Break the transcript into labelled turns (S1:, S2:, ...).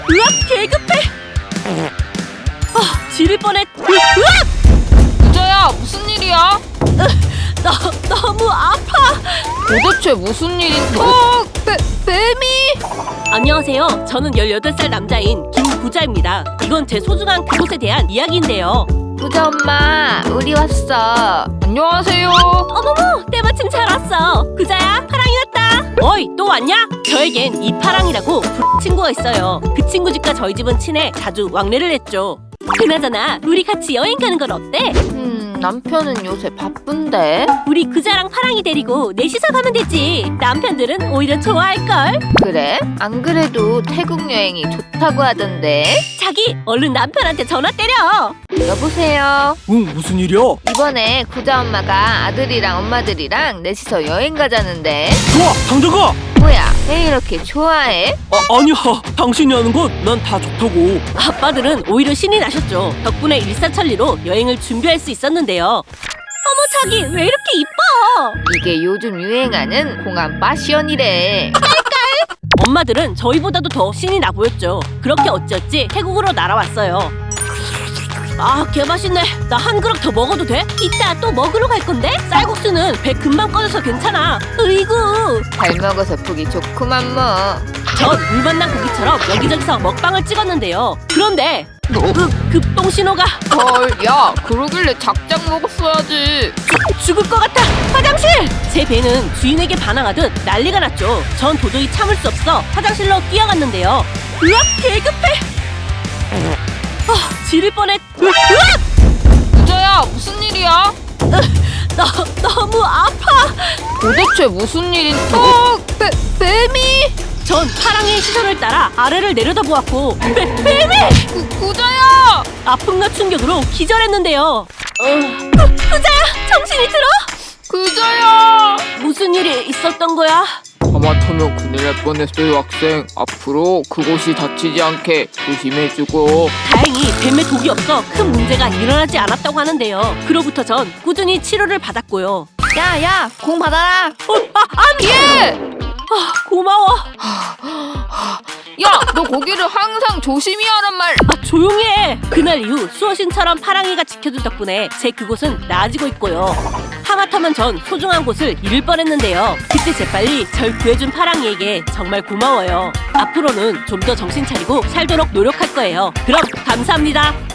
S1: 으악, 개급해. 지릴 뻔했. 으악!
S2: 부자야, 무슨 일이야?
S1: 너무 아파.
S2: 도대체 무슨 일인데? 뱀이!
S1: 안녕하세요. 저는 18살 남자인 김부자입니다. 이건 제 소중한 그곳에 대한 이야기인데요.
S2: 부자 엄마, 우리 왔어. 안녕하세요.
S1: 어머머, 때마침 잘 왔어. 부자야, 파랑이 왔다. 어이, 또 왔냐? 저에겐 이파랑이라고 친구가 있어요. 그 친구 집과 저희 집은 친해 자주 왕래를 했죠. 그나저나 우리 같이 여행 가는 건 어때?
S2: 남편은 요새 바쁜데?
S1: 우리 그자랑 파랑이 데리고 넷이서 가면 되지. 남편들은 오히려 좋아할걸.
S2: 그래? 안 그래도 태국 여행이 좋다고 하던데?
S1: 자기, 얼른 남편한테 전화 때려.
S2: 여보세요?
S3: 응, 무슨 일이야?
S2: 이번에 부자 엄마가 아들이랑 엄마들이랑 넷이서 여행 가자는데?
S3: 좋아, 당장 가!
S2: 뭐야, 왜 이렇게 좋아해?
S3: 아니야, 당신이 하는 건 난 다 좋다고.
S1: 아빠들은 오히려 신이 나셨죠. 덕분에 일사천리로 여행을 준비할 수 있었는데요. 어머, 자기 왜 이렇게 이뻐?
S2: 이게 요즘 유행하는 공항 파션이래.
S1: 엄마들은 저희보다도 더 신이 나 보였죠. 그렇게 어찌어찌 태국으로 날아왔어요. 아, 개맛있네. 나 한 그릇 더 먹어도 돼? 이따 또 먹으러 갈 건데? 쌀국수는 배 금방 꺼져서 괜찮아. 으이구.
S2: 잘 먹어서 보기 좋구만 뭐.
S1: 전 물만난 고기처럼 여기저기서 먹방을 찍었는데요. 그런데 급동 신호가
S2: 헐, 야, 그러길래 작작 먹었어야지.
S1: 죽을 것 같아. 화장실! 제 배는 주인에게 반항하듯 난리가 났죠. 전 도저히 참을 수 없어 화장실로 뛰어갔는데요. 으악, 개급해. 지릴 뻔했. 으악!
S2: 부자야, 무슨 일이야?
S1: 너무 아파.
S2: 도대체 무슨 일인데? 뱀이!
S1: 전 파랑이의 시선을 따라 아래를 내려다보았고 뱀이!
S2: 부자야!
S1: 아픔과 충격으로 기절했는데요. 부자야, 정신이 들어?
S2: 부자야!
S1: 무슨 일이 있었던 거야?
S4: 하마터면 큰일 날 뻔했어요, 학생. 앞으로 그곳이 다치지 않게 조심해주고.
S1: 다행히 뱀에 독이 없어 큰 문제가 일어나지 않았다고 하는데요. 그로부터 전 꾸준히 치료를 받았고요.
S2: 야, 공 받아라!
S1: 예! 고마워.
S2: 야, 너 고기를 항상 조심히 하란 말!
S1: 조용히 해. 그날 이후 수호신처럼 파랑이가 지켜준 덕분에 제 그곳은 나아지고 있고요. 하마터면 전 소중한 곳을 잃을 뻔했는데요. 그때 재빨리 절 구해준 파랑이에게 정말 고마워요. 앞으로는 좀 더 정신 차리고 살도록 노력할 거예요. 그럼 감사합니다.